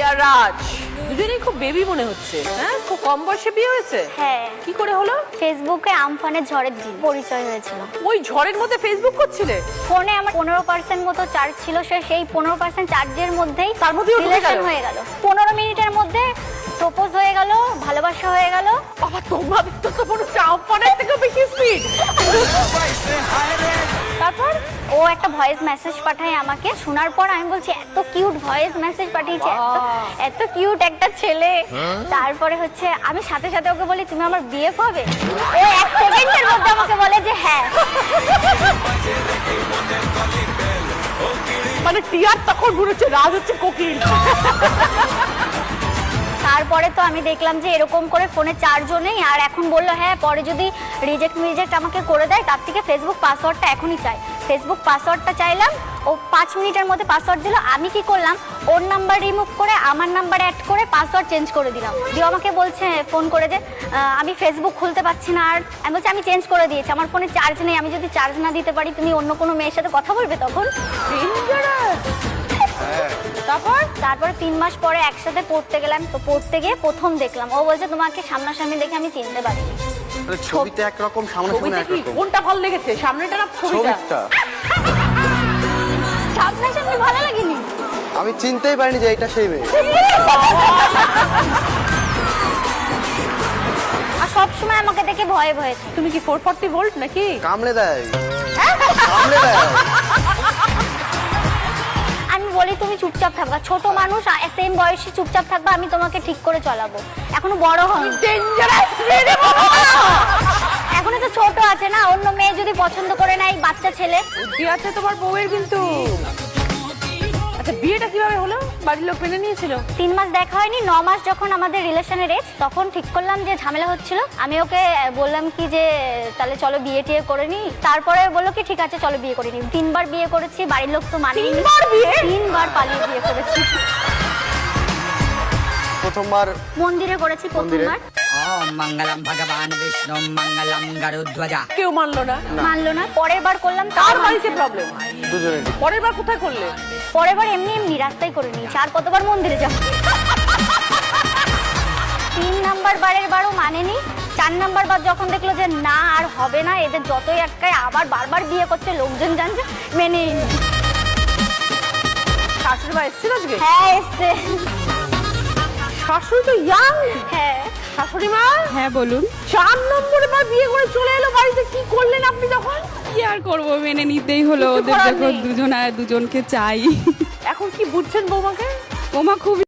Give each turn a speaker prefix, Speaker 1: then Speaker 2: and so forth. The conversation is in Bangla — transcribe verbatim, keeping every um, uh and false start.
Speaker 1: আর রাজ দুজনেই খুব বেবি মনে হচ্ছে। হ্যাঁ, খুব কম বয়সে বিয়ে হয়েছে।
Speaker 2: হ্যাঁ।
Speaker 1: কি করে হলো?
Speaker 2: ফেসবুকে আমফানের ঝড়ের দিন পরিচয় হয়েছিল।
Speaker 1: ওই ঝড়ের মধ্যে ফেসবুক করছিলে?
Speaker 2: ফোনে আমার পনেরো পার্সেন্ট মতো চার্জ ছিল, সে সেই পনেরো পার্সেন্ট চার্জের মধ্যেই
Speaker 1: তার মধ্যেই ও ঢুকে গেল?
Speaker 2: রিলেশন হয়ে গেল। পনেরো মিনিটের মধ্যে প্রপোজ হয়ে গেল, ভালোবাসা হয়ে গেল।
Speaker 1: বাবা, তোমার তো তো মনে হচ্ছে আমফানের থেকেও বেশি স্পিড।
Speaker 2: তারপর ও একটা ভয়েস মেসেজ পাঠায় আমাকে, শোনার পর আমি বলছি এত কিউট ভয়েস মেসেজ পাঠিয়েছে, এত এত কিউট একটা ছেলে। তারপরে হচ্ছে আমি সাথে সাথে ওকে বলি তুমি আমার বিএফ হবে। ও এক সেকেন্ডের মধ্যে আমাকে বলে যে হ্যাঁ।
Speaker 1: মানে টিয়ার তখন মনে হচ্ছে রাজ হচ্ছে কোকিল।
Speaker 2: তারপরে তো আমি দেখলাম যে এরকম করে ফোনে চার্জও নেই, আর এখন বললো হ্যাঁ পরে যদি রিজেক্ট মিজেক্ট আমাকে করে দেয় তার থেকে ফেসবুক পাসওয়ার্ডটা এখনই চাই। ফেসবুক পাসওয়ার্ডটা চাইলাম, ও পাঁচ মিনিটের মধ্যে পাসওয়ার্ড দিল। আমি কি করলাম, ওর নাম্বার রিমুভ করে আমার নাম্বার অ্যাড করে পাসওয়ার্ড চেঞ্জ করে দিলাম। দিয়ে আমাকে বলছে ফোন করে যে আমি ফেসবুক খুলতে পারছি না। আর আমি বলছি আমি চেঞ্জ করে দিয়েছি, আমার ফোনে চার্জ নেই, আমি যদি চার্জ না দিতে পারি তুমি অন্য কোনো মেয়ের সাথে কথা বলবে তখন।
Speaker 1: তারপর
Speaker 2: তারপরে তিন মাস পরে একসাথে পড়তে গেলাম, তো পড়তে গিয়ে প্রথম দেখলাম। ও বলছে তোমাকে সামনাসামনি দেখে আমি চিনতে পারিনি।
Speaker 3: ছবিতে একরকম, সামনাসামনি
Speaker 1: ছবিতে কি
Speaker 3: একরকম।
Speaker 1: কোনটা ভালো লেগেছে, সামনেটা না ছবিটা?
Speaker 3: ছবিটা
Speaker 2: সামনাসামনি ভালো লাগেনি।
Speaker 3: আমি চিনতেই পারিনি যে এটা সেই মেয়ে।
Speaker 2: আর সব সময় আমাকে দেখে ভয়ে ভয়ে থাকে।
Speaker 1: তুমি কি ফোর ফর্টি ভোল্ট নাকি?
Speaker 3: কামড়ে দেয়, কামড়ে দেয়।
Speaker 2: আমি বলি তুমি চুপচাপ থাকবা, ছোট মানুষ সেম বয়সে চুপচাপ থাকবা, আমি তোমাকে ঠিক করে চলাবো। এখনো বড় হয়নি,
Speaker 1: ডেঞ্জারাস রে বাবা।
Speaker 2: এখনো তো ছোট আছে না, অন্য মেয়ে যদি পছন্দ করে না, এই বাচ্চা ছেলে।
Speaker 1: বুদ্ধি আছে তোমার বউয়ের কিন্তু। আচ্ছা, বিয়েটা কিভাবে হলো? বাড়ির লোক মেনে নিয়েছিল?
Speaker 2: তিন মাস দেখা হয়নি, ন মাস যখন আমাদের রিলেশনের এজ, তখন ঠিক করলাম যে ঝামেলা হচ্ছিল। আমি ওকে বললাম কি যে তাহলে চলো বিয়ে টিয়ে করে নি। তারপরে বললো কি ঠিক আছে চলো বিয়ে করে নি। তিনবার বিয়ে করেছি, বাড়ির লোক তো মানেনি।
Speaker 1: তিনবার বিয়ে?
Speaker 2: তিনবার পালিয়ে বিয়ে করেছি।
Speaker 3: প্রথমবার
Speaker 2: মন্দিরে করেছি প্রথমবার।
Speaker 4: ওম মঙ্গলম ভগবান বিষ্ণু মঙ্গলম গরুধ্বজা।
Speaker 1: কেউ মানলো না?
Speaker 2: মানলো না। পরের বার করলাম,
Speaker 1: কার
Speaker 2: তার
Speaker 1: বাড়িতে প্রবলেম?
Speaker 3: দুজনে।
Speaker 1: পরের বার কোথায় করলে?
Speaker 2: পরের বার এমনি এমনি রাস্তায় করে নিয়েছি। আর কতবার মন্দিরে যাব? তিন নাম্বার বারের বারও মানেনি। চার নাম্বার বার যখন দেখলো যে না আর হবে না, এদের যতই একটাই আবার বারবার বিয়ে করছে, লোকজন জানছে, মেনে নিল।
Speaker 1: শাশুড়ি মা এসেছিল আজকে?
Speaker 2: হ্যাঁ এসছে।
Speaker 1: শাশুড়ি তো ইয়াং।
Speaker 2: হ্যাঁ।
Speaker 1: শাশুড়ি মা?
Speaker 5: হ্যাঁ বলুন।
Speaker 1: চার নম্বরে বার বিয়ে করে চলে এলো বাড়িতে, কি করলেন আপনি তখন?
Speaker 5: কি আর করবো, মেনে নিতেই হলো।
Speaker 1: কিছু
Speaker 5: ওদের
Speaker 1: করার
Speaker 5: যখন
Speaker 1: নেই।
Speaker 5: দুজন আর দুজনকে চাই।
Speaker 1: এখন কি বুঝছেন বৌমাকে?
Speaker 5: ওমা খুব